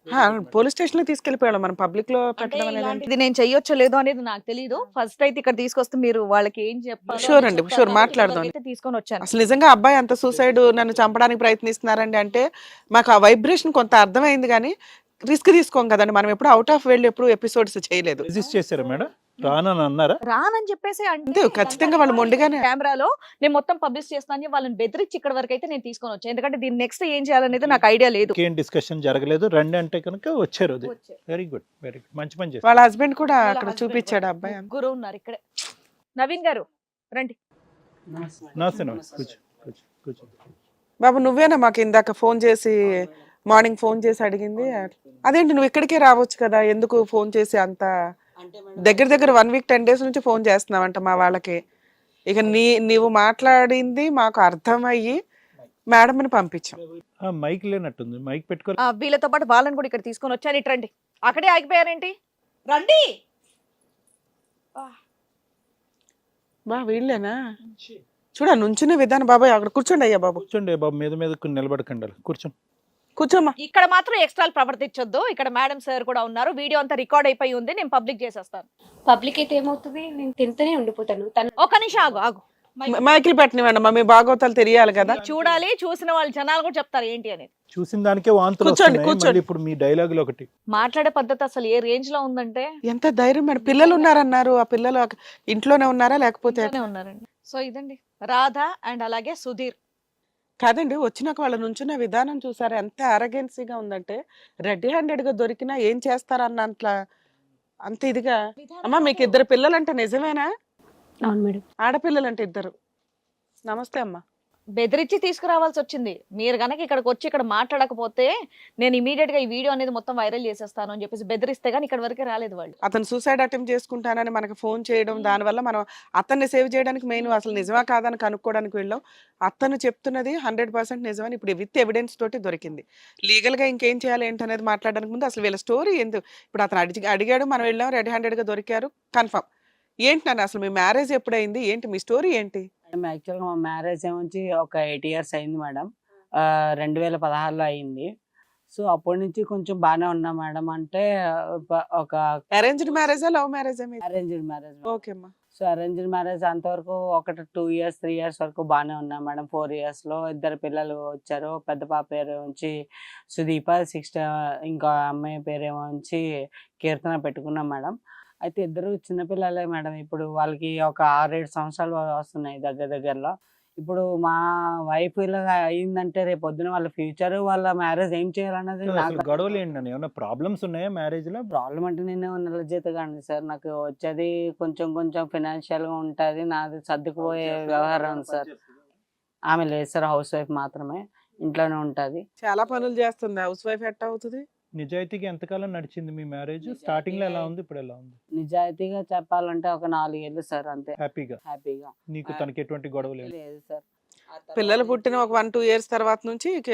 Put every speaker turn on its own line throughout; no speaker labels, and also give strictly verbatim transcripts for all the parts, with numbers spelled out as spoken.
Police station లో తీసుకెళ్లిపోయాడు, మనం public లో పెట్టడం అనేది అంటే-
ఇది నేను చెయ్యొచ్చో లేదో అనేది నాకు తెలియదు. ఫస్ట్ అయితే ఇక్కడ తీసుకొస్తే మీరు వాళ్ళకి ఏం చెప్పాలో
Sure
అది
అండి,
చెప్తారు
sure,
కాబట్టి
మాట్లాడదాం.
ఇక్కడికి అయితే తీసుకొని వచ్చాను.
అసలు నిజంగా అబ్బాయి అంత సూసైడ్ నన్ను చంపడానికి ప్రయత్నిస్తున్నారండి అంటే మాకు ఆ వైబ్రేషన్ కొంత అర్థమైంది, కానీ రిస్క్ తీసుకోం కదండి మనం. ఎప్పుడు అవుట్ ఆఫ్ వెళ్ళి ఎప్పుడు ఎపిసోడ్స్ చేయలేదు.
రిజిస్ట్ చేశారా మేడం? రానని అన్నారా?
రానని చెప్పేసి
అంతే, ఖచ్చితంగా వాళ్ళు మొండిగానే.
కెమెరాలో నేను మొత్తం పబ్లిష్ చేస్తాను వాళ్ళని బెదిరించి ఇక్కడ వరకు అయితే నేను తీసుకొని వచ్చాను. ఎందుకంటే దీని నెక్స్ట్ ఏం చేయాలనేది నాకు ఐడియా లేదు.
ఏం డిస్కషన్ జరగలేదు, రండి అంటే కనుక వచ్చారు. వెరీ గుడ్, వెరీ గుడ్, మంచి పని చేశారు.
వాళ్ళ హస్బెండ్ కూడా అక్కడ చూపించాడు అబ్బాయి.
ముగ్గురు ఉన్నారు ఇక్కడే. నవీన్ గారు రండి.
నమస్తే నమస్తే, కూర్చో కూర్చో కూర్చో.
బాబు నువ్వేనా మాకు ఇందాక ఫోన్ చేసి మార్నింగ్ ఫోన్ చేసి అడిగింది? అదేంటి నువ్వు ఇక్కడికే రావచ్చు కదా, ఎందుకు ఫోన్ చేసి అంత దగ్గర దగ్గర వన్ వీక్ టెన్ డేస్ నుంచి ఫోన్ చేస్తున్నావంట మా వాళ్ళకి. ఇక నీ నీవు మాట్లాడింది మాకు అర్థమయ్యి మేడంని పంపించాం.
ఆ, మైక్ లేనట్టుంది, మైక్ పెట్టుకోవాలి.
ఆ, వీళ్ళతో పాటు వాళ్ళని కూడా ఇక్కడ తీసుకొని వచ్చాను. ఇటు రండి. అక్కడే ఆగిపోయారేంటి? రండి.
బా వీళ్ళేనా? చూడ నుంచునే విధానం. బాబాయ్ అక్కడ కూర్చోండి. అయ్యా బాబు
కూర్చోండి బాబు, మీద మీద నిలబడకండి, కూర్చోండి.
కూర్చోమ్మా.
ఇక్కడ మాత్రం ఎక్స్ట్రా ప్రవర్తించొద్దు. ఇక్కడ మేడం సార్ కూడా ఉన్నారు. వీడియో అంతా రికార్డ్ అయిపోయి ఉంది. నేను పబ్లిక్ చేసేస్తాను.
పబ్లిక్ అయితే ఏమవుతుంది, నేను తింటూనే ఉండిపోతాను. తను
ఒక నిమిషం ఆగు ఆగు.
మైకిల్ పెట్టనివ్వండి, మా మీ బాగోతాలు తెలియాలి కదా.
చూడాలి, చూసిన వాళ్ళు జనాలు కూడా చెప్తారు ఏంటి అనేది.
చూసిన దానికే వాంతులు
కూర్చోండి,
వస్తున్నాయి.
కూర్చోండి.
మళ్ళీ ఇప్పుడు మీ డైలాగులు ఒకటి.
మాట్లాడే పద్ధతి అసలు ఏ రేంజ్ లో ఉందంటే.
ఎంత ధైర్యం మేడం. పిల్లలు ఉన్నారన్నారు, ఆ పిల్లలు అక- ఇంట్లోనే ఉన్నారా లేకపోతే?
ఇంట్లోనే ఉన్నారండి. సో ఇదండి రాధ అండ్ అలాగే సుధీర్.
కాదండి, వచ్చినాక వాళ్ళ నుంచున్న విధానం చూసారా ఎంత అరగెన్సీగా ఉందంటే, రెడ్ హ్యాండెడ్ గా దొరికినా ఏం చేస్తారన్న అట్లా అంత ఇదిగా. అమ్మా మీకు ఇద్దరు పిల్లలంటే నిజమేనా?
అవును మేడం.
ఆడపిల్లలంటే ఇద్దరు. నమస్తే అమ్మా.
బెదిరించి తీసుకురావాల్సి వచ్చింది. మీరు గనక ఇక్కడికి వచ్చి ఇక్కడ మాట్లాడకపోతే నేను ఇమీడియట్ గా ఈ వీడియో అనేది మొత్తం వైరల్ చేసేస్తాను అని చెప్పేసి బెదిరిస్తే గానీ ఇక్కడ వరకే రాలేదు వాళ్ళు.
అతను సూసైడ్ అటెంప్ట్ చేసుకుంటానని మనకు ఫోన్ చేయడం, దానివల్ల మనం అతన్ని సేవ్ చేయడానికి మెయిన్ అసలు నిజమా కాదని కనుక్కోవడానికి వెళ్ళాం. అతను చెప్తున్నది హండ్రెడ్ పర్సెంట్ నిజమని ఇప్పుడు విత్ ఎవిడెన్స్ తోటి దొరికింది. లీగల్ గా ఇంకేం చేయాలి ఏంటనేది మాట్లాడడానికి ముందు అసలు వీళ్ళ స్టోరీ ఎందుకు. ఇప్పుడు అతను అడిగి అడిగాడు, మనం వెళ్ళాం, రెడ్ హ్యాండెడ్ గా దొరికారు, కన్ఫర్మ్. ఏంటి నాన్న అసలు మీ మ్యారేజ్ ఎప్పుడైంది, ఏంటి మీ స్టోరీ ఏంటి?
మేడం యాక్చువల్గా మా మ్యారేజ్ ఏమొచ్చి ఒక ఎయిట్ ఇయర్స్ అయింది మేడం. ఆ, రెండు వేల పదహారులో అయింది. సో అప్పటి నుంచి కొంచెం బాగానే ఉన్నా మేడం. అంటే ప- ఒక
అరేంజ్డ్ మ్యారేజా లవ్ మ్యారేజా?
Arranged marriage.
ఓకే అమ్మా.
సో అరేంజ్డ్ మ్యారేజ్ అంతవరకు ఒకటి టూ ఇయర్స్ త్రీ ఇయర్స్ వరకు బాగానే ఉన్నా మేడం. ఫోర్ ఇయర్స్లో ఇద్దరు పిల్లలు వచ్చారు. పెద్ద పాప పేరు వచ్చి సుదీప, సిక్స్త్ ఇంకో అమ్మాయి పేరు ఏమో వచ్చి కీర్తన పెట్టుకున్నాం మేడం. అయితే ఇద్దరు చిన్నపిల్లలే మేడం. ఇప్పుడు వాళ్ళకి ఒక ఆరేడు సంవత్సరాలు వస్తున్నాయి దగ్గర దగ్గరలో. ఇప్పుడు మా వైఫ్ ఇలా అయిందంటే రేపు పొద్దున వాళ్ళ ఫ్యూచర్, వాళ్ళ మ్యారేజ్ ఏం చేయాలన్నది
అసలు
నాకు
గొడవలు ఏంటండి? ఏమన్నా ప్రాబ్లమ్స్ ఉన్నాయా మ్యారేజ్ లో?
ప్రాబ్లం. అంటే నేను నెల జీతగాండి సార్. నాకు వచ్చేది కొంచెం కొంచెం ఫినాన్షియల్ గా ఉంటుంది. నాది సర్దుకుపోయే వ్యవహారం సార్. ఆమె లేదు సార్, హౌస్ వైఫ్ మాత్రమే, ఇంట్లోనే ఉంటుంది.
చాలా పనులు చేస్తుంది, హౌస్ వైఫ్ ఎట్ట అవుతుంది?
నిజాయితీగా ఎంతకాలం నడిచింది మీ మ్యారేజ్? స్టార్టింగ్ లో ఎలా ఉంది, ఇప్పుడు ఎలా ఉంది?
నిజాయితీగా చెప్పాలంటే ఒక నాలుగేళ్ళు సార్, అంతే.
హ్యాపీగా?
హ్యాపీగా.
నీకు తనకి ఎటువంటి గొడవలు లేవు?
లేదు సార్.
పిల్లలు పుట్టిన ఒక వన్ టూ ఇయర్స్ తర్వాత నుంచి ఇక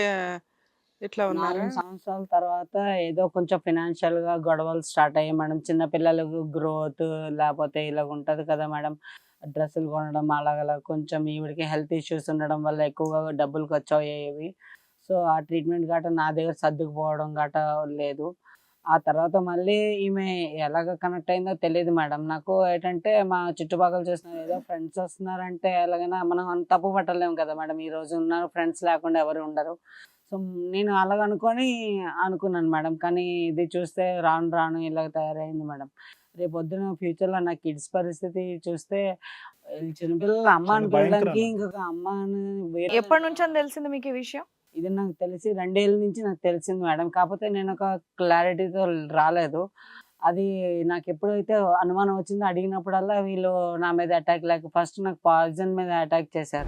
ఇట్లా ఉన్నారు.
నాలుగు సంవత్సరాల తర్వాత ఏదో కొంచెం ఫినాన్షియల్ గా గొడవలు స్టార్ట్ అయ్యాయి మేడం. చిన్న పిల్లలకు గ్రోత్ లేకపోతే ఇలా ఉంటది కదా మేడం, డ్రెస్సులు కొనడం అలాగలా. కొంచెం ఈవిడికి హెల్త్ ఇష్యూస్ ఉండడం వల్ల ఎక్కువగా డబ్బులు ఖర్చు అయ్యేవి. సో ఆ ట్రీట్మెంట్ గట్రా నా దగ్గర సర్దుకుపోవడం గట్రా లేదు. ఆ తర్వాత మళ్ళీ ఈమె ఎలాగ కనెక్ట్ అయిందో తెలియదు మేడం. నాకు ఏంటంటే మా చుట్టుపక్కల చూసిన ఏదో ఫ్రెండ్స్ వస్తున్నారంటే ఎలాగైనా మనం అంత తప్పు పట్టలేము కదా మేడం. ఈ రోజు ఉన్నారు, ఫ్రెండ్స్ లేకుండా ఎవరు ఉండరు. సో నేను అలాగ అనుకొని అనుకున్నాను మేడం. కానీ ఇది చూస్తే రాను రాను ఇలాగ తయారైంది మేడం. రేపు పొద్దున ఫ్యూచర్లో నా కిడ్స్ పరిస్థితి చూస్తే చిన్నపిల్లల అమ్మ అని పిల్లలకి ఇంకొక అమ్మ అని వేరే.
ఎప్పటి నుంచి అని తెలిసింది మీకు ఈ విషయం?
ఇది నాకు తెలిసి రెండేళ్ళ నుంచి నాకు తెలిసింది మేడం. కాకపోతే నేను ఒక క్లారిటీతో రాలేదు. అది నాకు ఎప్పుడైతే అనుమానం వచ్చిందో అడిగినప్పుడల్లా వీళ్ళు నా మీద అటాక్, లేక ఫస్ట్ నాకు పాయిజన్ మీద అటాక్ చేశారు.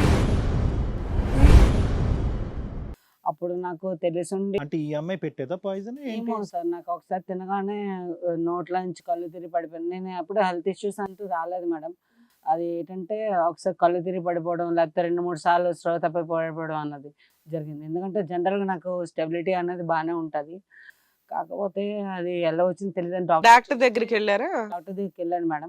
అప్పుడు నాకు తెలిసిండి.
అంటే ఈ అమ్మాయి పెట్టేదా పాయిజన్?
ఏమో సార్, నాకు ఒకసారి తినగానే నోట్ల నుంచి కళ్ళు తిరిగి పడిపోయాను. నేను అప్పుడు హెల్త్ ఇష్యూస్ అంటూ రాలేదు మేడం. అది ఏంటంటే ఒకసారి కళ్ళు తిరిగి పడిపోవడం, లేకపోతే రెండు మూడు సార్లు స్లో తప్పి పడిపోవడం అన్నది జరిగింది. ఎందుకంటే జనరల్గా నాకు స్టెబిలిటీ అనేది బాగానే ఉంటుంది. కాకపోతే అది ఎలా వచ్చింది తెలియదు. డాక్టర్
డాక్టర్ దగ్గరికి వెళ్ళారా?
డాక్టర్ దగ్గరికి వెళ్ళాను మేడం.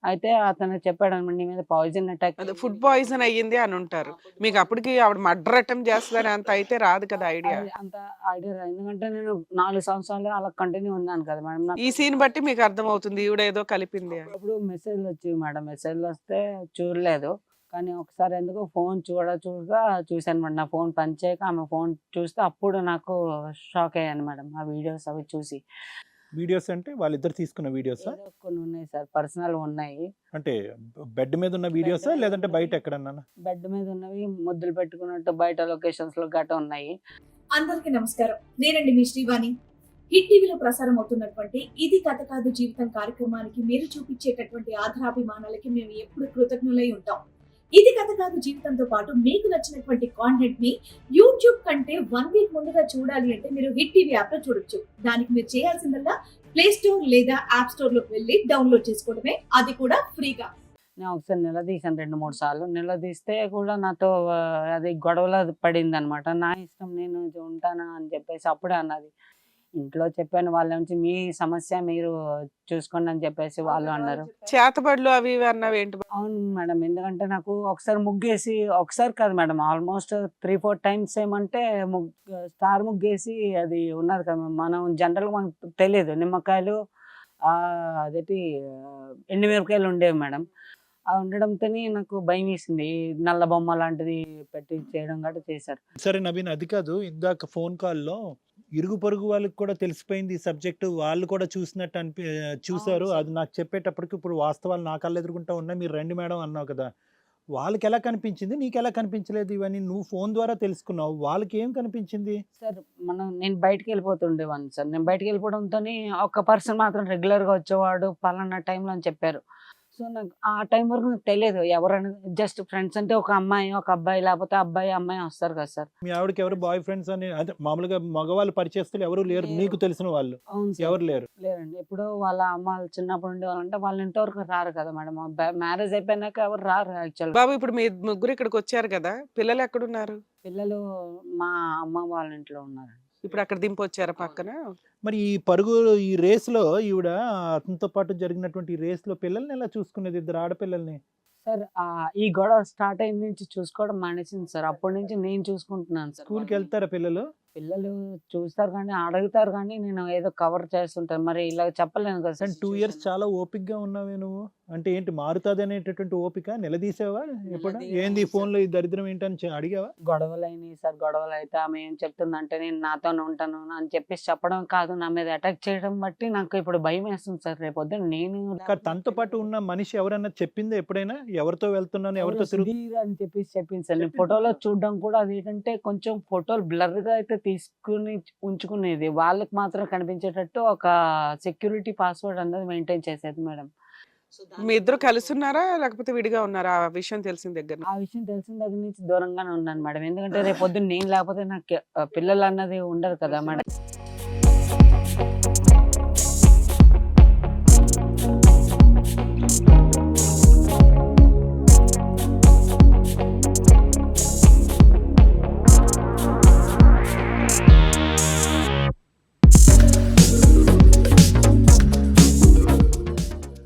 అయితే అతను చెప్పాడు అనమాట, నీ మీద పాయిజన్ అటాక్
అదే ఫుడ్ పాయిజన్ అయ్యింది అని ఉంటారు. మీకు అప్పటికి ఆవిడ మర్డర్ అటెంప్ట్ చేస్తుందని అంత అయితే రాదు కదా ఐడియా.
అంత ఐడియా రాదు. ఎందుకంటే నేను నాలుగు సంవత్సరాలు అలా కంటిన్యూ ఉన్నాను కదా మేడం. నాకు
ఈ సీన్ బట్టి మీకు అర్థమవుతుంది ఈవిడ ఏదో కలిపింది అని.
అప్పుడు మెసేజ్లు వచ్చేవి మేడం. మెసేజ్లు వస్తే చూడలేదు. కానీ ఒకసారి ఎందుకో ఫోన్ చూడ చూడగా చూశాను మేడం. నా ఫోన్ పనిచేయక ఆమె ఫోన్ చూస్తే అప్పుడు నాకు షాక్ అయ్యాను మేడం ఆ వీడియోస్ అవి చూసి.
వీడియోస్ అంటే వాళ్ళిద్దరు తీసుకున్న వీడియోసా?
ఏదో కొన్ని ఉన్నాయి సార్, పర్సనల్ ఉన్నాయి.
అంటే బెడ్ మీద ఉన్న వీడియోసా లేదంటే బయట ఎక్కడన్నా?
బెడ్ మీద ఉన్నవి, ముద్దులు పెట్టుకున్నట్టు బయట లొకేషన్స్ లో గట్ట ఉన్నాయి.
అందరికీ నమస్కారం. నేనండి మీ శ్రీవాణి. హిట్ టీవీలో ప్రసారం అవుతున్నటువంటి ఇది కథ కాదు జీవితం కార్యక్రమానికి మీరు చూపించేటటువంటి ఆధారాభిమానాలకి మేము ఎప్పుడు కృతజ్ఞులై ఉంటాం. ఇది కథ కాదు జీవితంతో పాటు మీకు నచ్చినటువంటి కాంటెంట్ ని యూట్యూబ్ కంటే వన్ వీక్ ముందుగా చూడాలి అంటే మీరు హిట్ టీవీ యాప్ లో చూడొచ్చు. దానికి మీరు చేయాల్సిందల్లా ప్లే స్టోర్ లేదా యాప్ స్టోర్ లోకి వెళ్ళి డౌన్లోడ్ చేసుకోవడమే, అది కూడా ఫ్రీగా.
నేను ఒకసారి నిలదీశాను రెండు మూడు సార్లు. నిలదీస్తే కూడా నాతో ఆ, అది గొడవలో పడింది అనమాట. నా ఇష్టం, నేను ఉంటానా అని చెప్పేసి అప్పుడే అన్నది. ఇంట్లో చెప్పాను, వాళ్ళ నుంచి మీ సమస్య మీరు చూసుకోండి అని చెప్పేసి వాళ్ళు అన్నారు.
చేతబడులు అవి ఇవి అన్నవి ఏంటి?
అవును మేడం, ఎందుకంటే నాకు ఒకసారి ముగ్గేసి, ఒకసారి కాదు madam, almost three four times ఏమంటే ముగ్ స్టార్ ముగ్గేసి అది ఉన్నది కదా, మనం జనరల్గా మనకు తెలియదు. నిమ్మకాయలు ఆ, అదేంటి ఎండుమిరపకాయలు ఉండేవి మేడం. అవి ఉండడంతోనే నాకు భయం వేసింది. ఈ నల్ల బొమ్మ లాంటిది పెట్టి చేయడం గట్రా చేశారు.
సరే నవీన్, అది కాదు, ఇందాక ఫోన్ కాల్లో ఇరుగు పొరుగు వాళ్ళకి కూడా తెలిసిపోయింది ఈ సబ్జెక్టు, వాళ్ళు కూడా చూసినట్టు అనిపి చూసారు.
అవును సార్.
అది నాకు చెప్పేటప్పటికి ఇప్పుడు వాస్తవాలు నా కళ్ళు ఎదురుకుంటా ఉన్నాయి. మీరు రండి మేడం అన్నావు కదా, వాళ్ళకి ఎలా కనిపించింది, నీకు ఎలా కనిపించలేదు? ఇవన్నీ నువ్వు ఫోన్ ద్వారా తెలుసుకున్నావు, వాళ్ళకి ఏం కనిపించింది?
సార్ మనం నేను బయటికి వెళ్ళిపోతుండేవాడిని సార్. నేను బయటికి వెళ్ళిపోవడంతో ఒక పర్సన్ మాత్రం రెగ్యులర్గా వచ్చేవాడు పలానా టైంలో అని చెప్పారు. సో నాకు ఆ టైం వరకు నాకు తెలియదు ఎవరైనా. జస్ట్ ఫ్రెండ్స్ అంటే ఒక అమ్మాయి ఒక అబ్బాయి, లేకపోతే అబ్బాయి అమ్మాయి వస్తారు కదా సార్.
మీ ఆవిడకి ఎవరు బాయ్ ఫ్రెండ్స్ అని, అదే మామూలుగా మగవాళ్ళు పరిచయస్తులు ఎవరు లేరు
లేరు.
నీకు తెలిసిన వాళ్ళు?
అవును సార్,
ఎవరు లేరు?
లేరండి. ఇప్పుడు వాళ్ళ అమ్మ వాళ్ళు చిన్నప్పుడు ఉండేవాళ్ళంటే వాళ్ళ ఇంటి వరకు రారు కదా మేడం. మ్యారేజ్ అయిపోయినాక ఎవరు రారు యాక్చువల్.
బాబు ఇప్పుడు మీ ముగ్గురు ఇక్కడికి వచ్చారు కదా, పిల్లలు ఎక్కడున్నారు?
పిల్లలు మా అమ్మ వాళ్ళ ఇంట్లో ఉన్నారు.
ఇప్పుడు అక్కడ దింపొచ్చారా పక్కన?
మరి ఈ పరుగు ఈ రేస్లో ఈవిడ అతనితో పాటు జరిగినటువంటి ఈ రేస్లో పిల్లల్ని ఎలా చూసుకునేది, ఇద్దరు ఆడపిల్లల్ని?
సార్ ఆ, ఈ గొడవ స్టార్ట్ అయిన నుంచి చూసుకోవడం మానేసింది సార్. అప్పటి నుంచి నేను చూసుకుంటున్నాను సార్.
స్కూల్కి వెళ్తారా పిల్లలు?
పిల్లలు చూస్తారు కానీ అడుగుతారు కానీ నేను ఏదో కవర్ చేస్తుంటాను. మరి ఇలా చెప్పలేను కదా సార్.
అండ్ టూ ఇయర్స్ చాలా ఓపిక్గా ఉన్నావే నువ్వు. అంటే ఏంటి మారుతుంది అనేటటువంటి ఓపిక? నిలదీసావా ఎప్పుడు?
నిలదీయను
ఏంది ఈ
సార్.
ఫోన్లో ఈ దరిద్రం ఏంటని చె- అడిగావా?
గొడవలు అయినాయి సార్. గొడవలు అయితే ఆమె ఏం చెప్తుందంటే నేను నాతోనే ఉంటాను అని చెప్పేసి చెప్పడం కాదు, నా మీద అటాక్ చేయడం బట్టి నాకు ఇప్పుడు భయం వేస్తుంది సార్. రేపు పొద్దున్న నేను
కానీ తనతో పాటు ఉన్న మనిషి ఎవరన్నా చెప్పిందా ఎప్పుడైనా, ఎవరితో వెళ్తున్నాను ఎవరితో
ఎవరో
తిరుగు?
సుధీర్ అని చెప్పేసి చెప్పింది సార్. నేను ఫోటోలో చూడడం కూడా అది ఏంటంటే కొంచెం ఫోటోలు బ్లర్ గా అయితే తీసుకుని ఉంచుకునేది, వాళ్ళకి మాత్రం కనిపించేటట్టు ఒక సెక్యూరిటీ పాస్వర్డ్ అనేది మెయింటైన్ చేసేది మేడం.
మీ ఇద్దరు కలిసి ఉన్నారా లేకపోతే విడిగా ఉన్నారా ఆ విషయం తెలిసిన దగ్గర నుంచి?
ఆ విషయం తెలిసిన దగ్గర నుంచి దూరంగానే ఉన్నాను మేడం. ఎందుకంటే రేపు పొద్దున్న నేను లేకపోతే నాకు ఆ, పిల్లలు అన్నది ఉండరు కదా మేడం.